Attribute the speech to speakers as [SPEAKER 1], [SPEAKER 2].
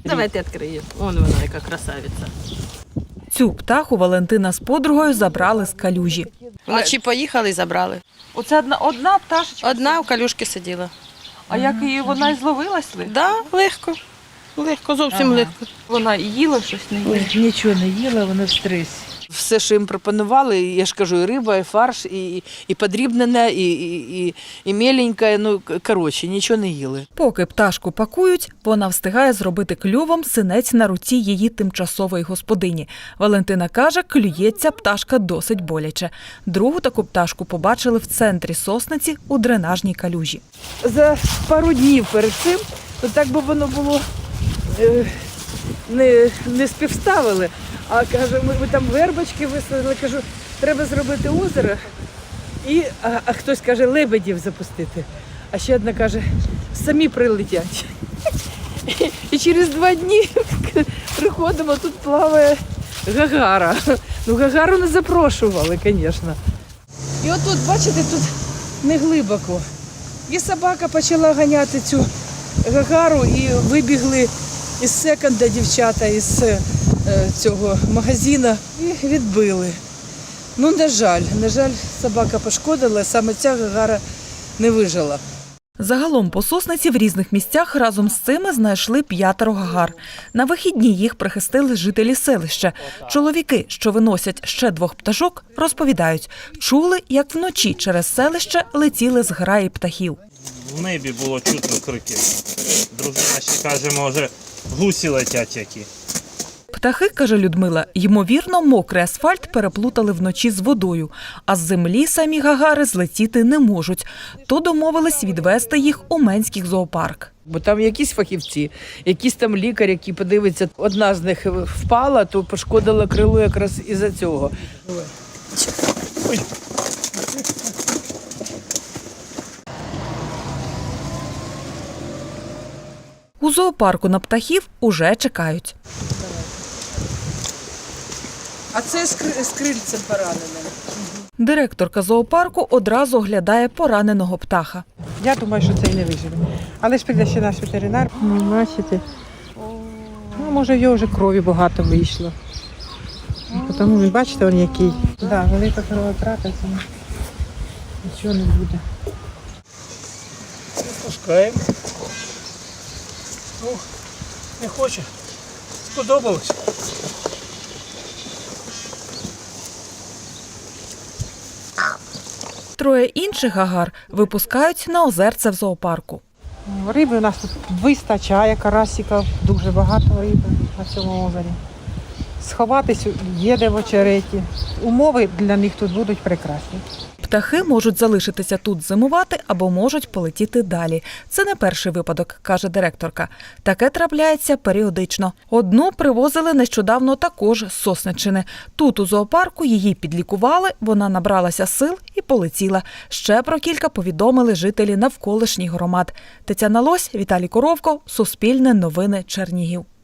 [SPEAKER 1] Давайте відкриємо. Вон вона, яка красавиця.
[SPEAKER 2] Цю птаху Валентина з подругою забрали з калюжі.
[SPEAKER 1] Вночі поїхали і забрали.
[SPEAKER 3] Оце одна пташечка?
[SPEAKER 1] Одна в калюшки сиділа.
[SPEAKER 3] А як її вона і зловилась?
[SPEAKER 1] Так, да, легко. Легко, зовсім легко.
[SPEAKER 3] Вона і їла щось, не їла?
[SPEAKER 4] Нічого не їла, вона в стресі.
[SPEAKER 5] Все, що їм пропонували, я ж кажу, і риба, і фарш, і подрібнене, і меленьке, ну, коротше, нічого не їли.
[SPEAKER 2] Поки пташку пакують, вона встигає зробити клювом синець на руці її тимчасової господині. Валентина каже, клюється пташка досить боляче. Другу таку пташку побачили в центрі Сосниці у дренажній калюжі.
[SPEAKER 4] За пару днів перед цим, то так би воно було, не співставили. А кажу, ми там вербочки висадили, кажу, треба зробити озеро, а хтось каже, лебедів запустити. А ще одна каже, самі прилетять. І через 2 дні приходимо, тут плаває гагара. Ну, гагару не запрошували, звісно. І отут, бачите, тут не глибоко. І собака почала ганяти цю гагару, і вибігли із секонда дівчата, із цього магазину, і відбили. Ну, на жаль, собака пошкодила, саме ця гагара не вижила.
[SPEAKER 2] Загалом по Сосниці в різних місцях разом з цими знайшли 5 гагар. На вихідні їх прихистили жителі селища. Чоловіки, що виносять ще 2 пташок, розповідають, чули, як вночі через селище летіли зграї птахів.
[SPEAKER 6] В небі було чутно крики. Дружина ще каже, може, гусі летять які.
[SPEAKER 2] Птахи, каже Людмила, ймовірно, мокрий асфальт переплутали вночі з водою, а з землі самі гагари злетіти не можуть. То домовились відвезти їх у Менський зоопарк.
[SPEAKER 4] Бо там якісь фахівці, якийсь там лікар, який подивиться, одна з них впала, то пошкодила крило якраз із-за цього.
[SPEAKER 6] Ой.
[SPEAKER 2] У зоопарку на птахів уже чекають.
[SPEAKER 4] А це з крильцем пораненим.
[SPEAKER 2] Директорка зоопарку одразу оглядає пораненого птаха.
[SPEAKER 7] Я думаю, що це і не виживе. Але ж прийде ще наш ветеринар. Бачите? Ну, може, в його вже крові багато вийшло. Тому він, бачите, він який. Так, велика кровотрата, нічого не буде.
[SPEAKER 6] Пускаємо. Ну, не хоче. Сподобалось.
[SPEAKER 2] Троє інших гагар випускають на озерце в зоопарку.
[SPEAKER 7] Риби у нас тут вистачає, карасиків, дуже багато риби на цьому озері. Сховатись є де в очереті. Умови для них тут будуть прекрасні.
[SPEAKER 2] Птахи можуть залишитися тут зимувати або можуть полетіти далі. Це не перший випадок, каже директорка. Таке трапляється періодично. Одну привозили нещодавно також з Сосниччини. Тут у зоопарку її підлікували, вона набралася сил і полетіла. Ще про кілька повідомили жителі навколишніх громад. Тетяна Лось, Віталій Коровко, Суспільне новини, Чернігів.